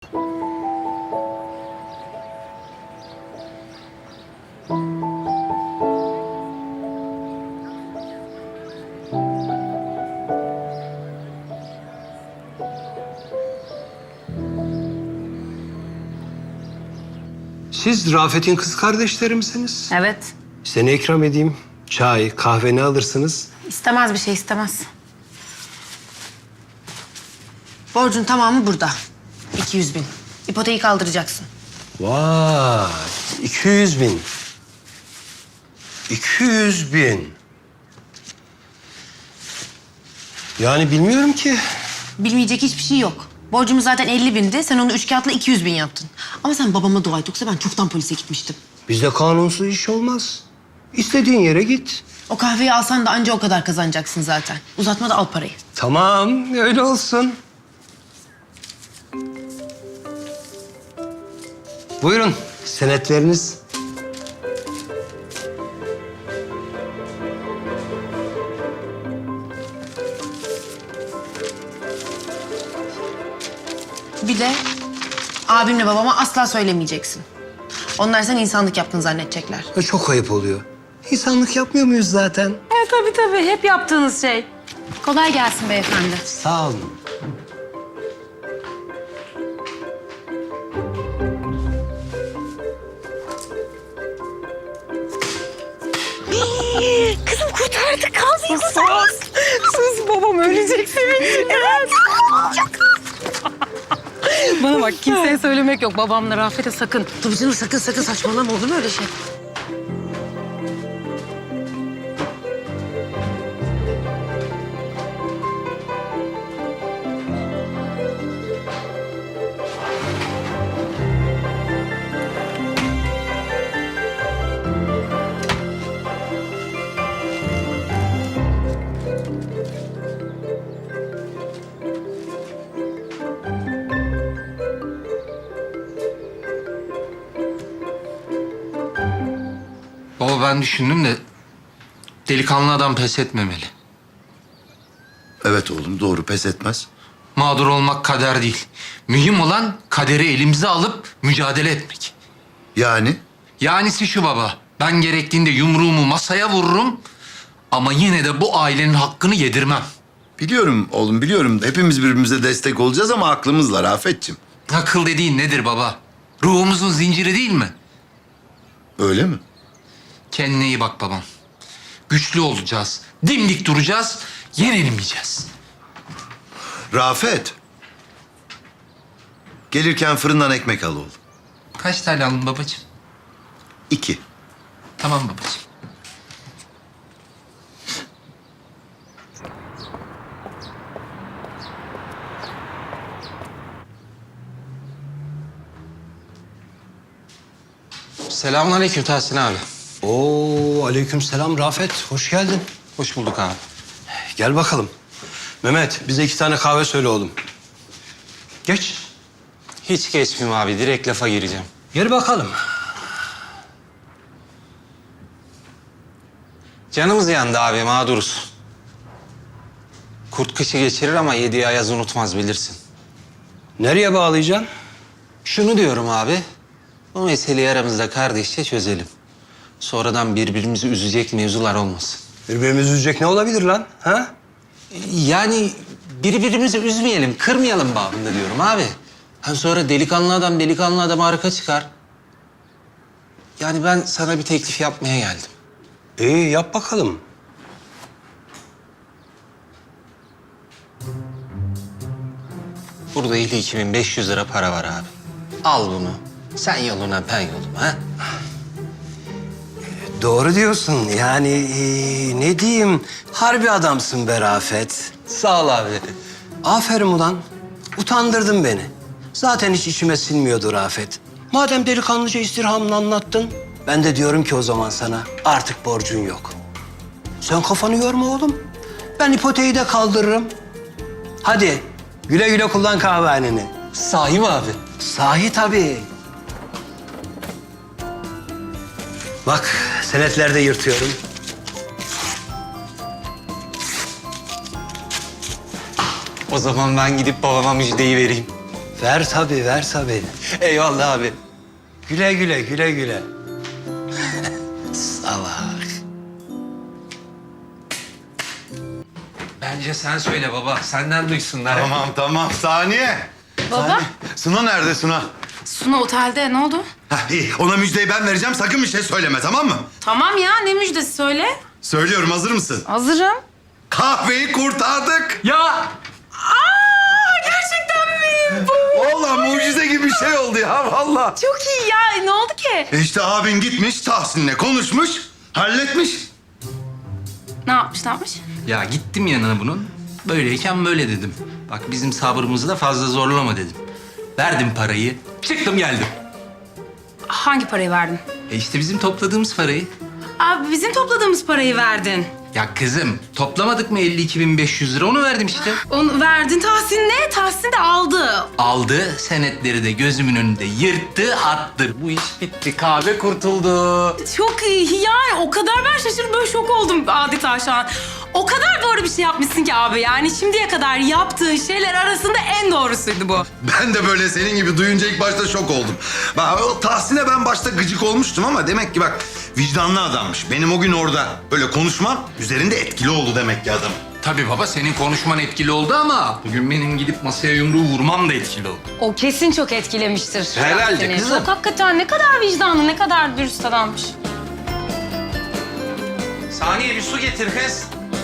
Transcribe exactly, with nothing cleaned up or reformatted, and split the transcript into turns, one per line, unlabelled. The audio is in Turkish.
Siz Rafet'in kız kardeşleri misiniz?
Evet.
Seni ikram edeyim. Çay, kahve ne alırsınız?
İstemez bir şey istemez. Borcun tamamı burada. iki yüz bin. İpoteği kaldıracaksın.
Vay, iki yüz bin. iki yüz bin. Yani bilmiyorum ki.
Bilmeyecek hiçbir şey yok. Borcumuz zaten elli bindi. Sen onu üç kağıtla iki yüz bin yaptın. Ama sen babama dua et. Yoksa ben çoktan polise gitmiştim.
Bizde kanunsuz iş olmaz. İstediğin yere git.
O kahveyi alsan da anca o kadar kazanacaksın zaten. Uzatma da al parayı.
Tamam, öyle olsun. Buyurun, senetleriniz.
Bir de abimle babama asla söylemeyeceksin. Onlar sen insanlık yaptın zannedecekler.
E, Çok ayıp oluyor. İnsanlık yapmıyor muyuz zaten?
Evet tabii tabii. Hep yaptığınız şey. Kolay gelsin beyefendi.
Sağ olun.
Kızım kurtardık. Kahveyi kurtardık. Sus babam ölecek sevinçten. Evet. Bana bak kimseye söylemek yok. Babamla Rafet'e sakın. Tabii canım sakın sakın saçmalama olur mu öyle şey?
Baba ben düşündüm de delikanlı adam pes etmemeli.
Evet oğlum doğru, pes etmez.
Mağdur olmak kader değil. Mühim olan kaderi elimize alıp mücadele etmek.
Yani
Yanisi şu baba. Ben gerektiğinde yumruğumu masaya vururum ama yine de bu ailenin hakkını yedirmem.
biliyorum oğlum biliyorum. Hepimiz birbirimize destek olacağız ama aklımızla Rafet'ciğim.
Akıl dediğin nedir baba? Ruhumuzun zinciri değil mi?
Öyle mi?
Kendine iyi bak babam. Güçlü olacağız. Dimdik duracağız. Yenilmeyeceğiz.
Rafet. Gelirken fırından ekmek al oğlum.
Kaç tane aldın babacığım?
İki.
Tamam babacığım. Selamünaleyküm Tahsin abi.
Oo, aleykümselam Rafet. Hoş geldin.
Hoş bulduk abi.
Gel bakalım. Mehmet, bize iki tane kahve söyle oğlum. Geç.
Hiç geçmeyeyim abi. Direkt lafa gireceğim.
Gel bakalım.
Canımız yandı abi. Mağduruz. Kurt kışı geçirir ama yediği ayaz unutmaz bilirsin.
Nereye bağlayacaksın?
Şunu diyorum abi. Bu meseleyi aramızda kardeşçe çözelim. Sonradan birbirimizi üzecek mevzular olmasın.
Birbirimizi üzecek ne olabilir lan? Ha?
Yani birbirimizi üzmeyelim, kırmayalım babında diyorum abi. Hem sonra delikanlı adam delikanlı adama arka çıkar. Yani ben sana bir teklif yapmaya geldim.
İyi, yap bakalım.
Burada iki bin beş yüz lira para var abi. Al bunu. Sen yoluna ben yoluma ha.
Doğru diyorsun. Yani ee, ne diyeyim? Harbi adamsın be Rafet.
Sağ ol abi.
Aferin ulan. Utandırdın beni. Zaten hiç içime sinmiyordu Rafet. Madem delikanlıca istirhamını anlattın, ben de diyorum ki o zaman sana artık borcun yok. Sen kafanı yorma oğlum. Ben ipoteği de kaldırırım. Hadi güle güle kullan kahvehaneni.
Sahi mi abi?
Sahi tabii. Bak senetlerde yırtıyorum.
O zaman ben gidip babama müjdeyi vereyim.
Ver tabii, ver tabii.
Eyvallah abi.
Güle güle, güle güle. Salak.
Bence sen söyle baba. Senden duysunlar.
Tamam tamam saniye.
Baba,
Saniye. Suna nerede Suna?
Suna otelde. Ne oldu?
Heh, iyi ona müjdeyi ben vereceğim sakın bir şey söyleme tamam mı?
Tamam ya, ne müjdesi söyle.
Söylüyorum hazır mısın?
Hazırım.
Kahveyi kurtardık.
Ya
Aa, gerçekten mi? Bu
Vallahi mucize gibi bir şey oldu ya vallahi.
çok iyi ya. Ne oldu ki?
E İşte abin gitmiş Tahsin'le konuşmuş, halletmiş.
Ne yapmış, ne yapmış?
Ya gittim yanına bunun. Böyleyken böyle dedim. Bak bizim sabrımızı da fazla zorlama dedim. Verdim parayı. Çıktım geldim.
Hangi parayı verdin?
E işte bizim topladığımız parayı.
Abi bizim topladığımız parayı verdin.
Ya kızım toplamadık mı elli iki bin beş yüz lira onu verdim işte.
Onu verdin Tahsin'le, Tahsin de aldı.
Aldı senetleri de gözümün önünde yırttı attı.
bu iş bitti. Kahve kurtuldu.
Çok iyi yani, o kadar ben şaşırdım, böyle şok oldum adeta şu an. O kadar doğru bir şey yapmışsın ki abi, yani şimdiye kadar yaptığın şeyler arasında en doğrusuydu bu.
Ben de böyle senin gibi duyunca ilk başta şok oldum. Bak o Tahsin'e ben başta gıcık olmuştum ama demek ki bak vicdanlı adammış. Benim o gün orada böyle konuşmam üzerinde etkili oldu demek ki adam.
Tabii baba senin konuşman etkili oldu ama bugün benim gidip masaya yumruğu vurmam da etkili oldu.
O kesin çok etkilemiştir.
Herhalde
seni.
kızım.
Çok hakikaten ne kadar vicdanlı, ne kadar dürüst adammış.
Saniye bir su getir kız.